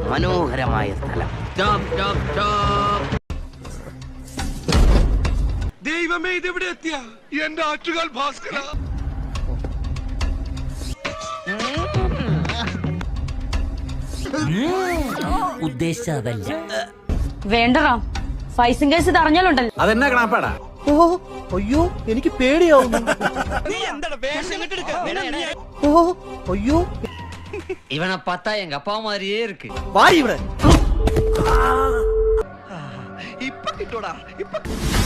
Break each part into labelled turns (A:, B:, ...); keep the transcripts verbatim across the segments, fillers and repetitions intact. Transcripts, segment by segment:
A: മനോഹരമായ സ്ഥലം.
B: ദൈവമേ, ഇതെവിടെ എത്തിയ എന്റെ ആറ്റുകാൽ ഭാസ്കര.
A: ഉദ്ദേശിച്ചതല്ല.
C: വേണ്ടടാ, ഫൈസിംഗ് കേസ് ഇത് അറിഞ്ഞാലുണ്ടല്ലോ.
D: അതെന്നാ കണാപ്പാടാ?
E: ഓ അയ്യോ, എനിക്ക് പേടിയാവുന്നു. ഓ അയ്യോ,
A: ഇവനെ പത്താ എങ്ക அப்பா மாதிரியே இருக்கு.
E: വാരി ഇവിടെ.
B: ഇപ്പൊ കിട്ടൂടാ. ഇപ്പൊ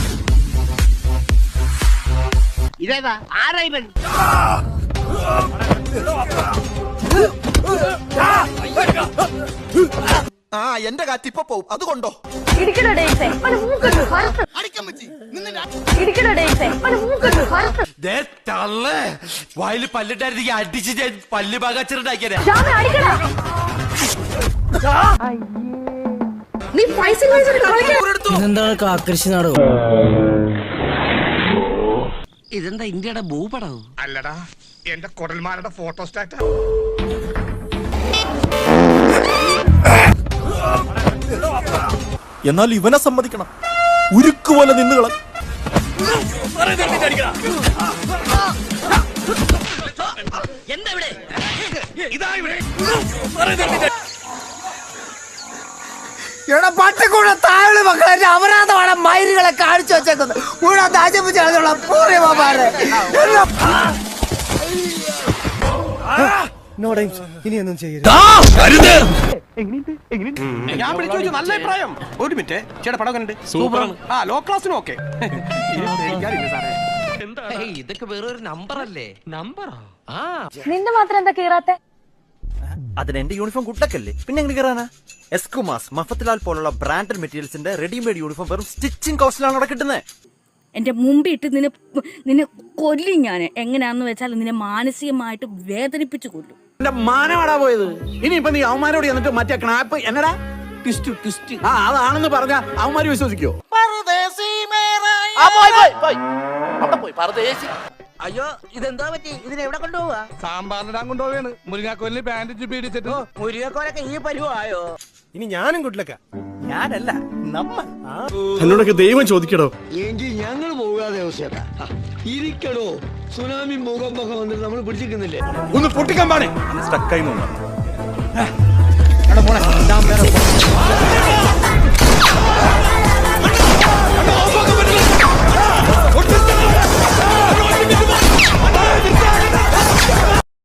A: ഇതേതാ? ആരാ ഇവൻ?
B: ആ എന്റെ കാറ്റ് ഇപ്പൊ പോവും, അതുകൊണ്ടോ?
D: വായില് പല്ലിട്ടായിരുന്നെങ്കിൽ അടിച്ച് ഞാൻ പല്ല് പാകച്ചിട്ടുണ്ടാക്കിയ.
E: ഇതെന്താണ് കാക്കൃഷി നാടകം?
A: ഇതെന്താ ഇന്ത്യയുടെ ഭൂപടവും?
B: അല്ലടാ, എന്റെ കുടൽമാരുടെ ഫോട്ടോ സ്റ്റാറ്റാ.
F: എന്നാൽ ഇവനെ സമ്മതിക്കണം, ഉരുക്കുപോലെ നിന്നുകള.
E: എടാ പട്ടിക്കൂടെ താഴെ മക്കളെ അപരാധമാണ് മയിലുകളെ കാണിച്ചു വെച്ചേക്കുന്നത്. കൂടെ താജപ്പിച്ചുള്ള പൂർവ്വമാരെ ഇനിയൊന്നും ചെയ്യരുത്.
B: ഞാൻ വിളിച്ചു ചോദിച്ചു, നല്ല അഭിപ്രായം. ഒരു മിനിറ്റ്, ചേട്ടാ പടം കണ്ട് സൂപ്പർ. ആ ലോ ക്ലാസ്സിനും ഓക്കെ.
A: ഇതൊക്കെ വേറൊരു നമ്പർ അല്ലേ? നമ്പറാ?
C: നിന്റെ മാത്രം എന്താ കീറാത്തെ?
F: അതിന് എന്റെ യൂണിഫോം കുട്ടക്കല്ലേ, പിന്നെ എങ്ങനെ കയറാനാ? എസ്കുമാസ്, മഫത്തിലാൽ പോലുള്ള ബ്രാൻഡഡ് മെറ്റീരിയൽസിന്റെ റെഡിമെയ്ഡ് യൂണിഫോം വെറും സ്റ്റിച്ചിങ് കോസ്റ്റിലാണ് അവിടെ കിട്ടുന്നത്.
G: എന്റെ മുമ്പിട്ട് നിന്നെ നിന്നെ കൊല്ലും ഞാൻ. എങ്ങനെയാന്ന് വെച്ചാൽ നിന്നെ മാനസികമായിട്ട് വേദനിപ്പിച്ചു കൊല്ലും.
D: എന്റെ മാനമാടാ പോയത്. ഇനിയിപ്പൊ നീ അവന്മാരോട് എന്നിട്ട് മറ്റേ ക്നാപ്പ് എന്നടാ ട്വിസ്റ്റ് ട്വിസ്റ്റ് ആ അതാണെന്ന് പറഞ്ഞ അവന്മാര് വിശ്വസിക്കോ?
A: അയ്യോ, ഇതെന്താ പറ്റി? ഇതിനെവിടെ കൊണ്ടുപോവാ?
B: സാമ്പാറിനിടാൻ കൊണ്ടുപോവാണ്. മുരിങ്ങാക്കോലിന് ബാൻഡേജ് പീഡിച്ചിട്ട്
A: മുരുകക്കോലൊക്കെ ഈ പരുവായോ?
E: ഇനി ഞാനും കുട്ടിലക്ക. ഞാനല്ല, നമ്മൾ.
F: എന്നോടൊക്കെ ദൈവം ചോദിക്കടോ.
H: എങ്കിൽ ഞങ്ങൾ പോകാതെ അവസ്ഥ ഇരിക്കടോ. സുനാമി ഭൂകമ്പൊക്കെ വന്നിട്ട് നമ്മൾ പിടിച്ചിരിക്കുന്നില്ലേ?
F: ഒന്ന് പൊട്ടിക്കാൻ പാടേ സ്റ്റക്കായി.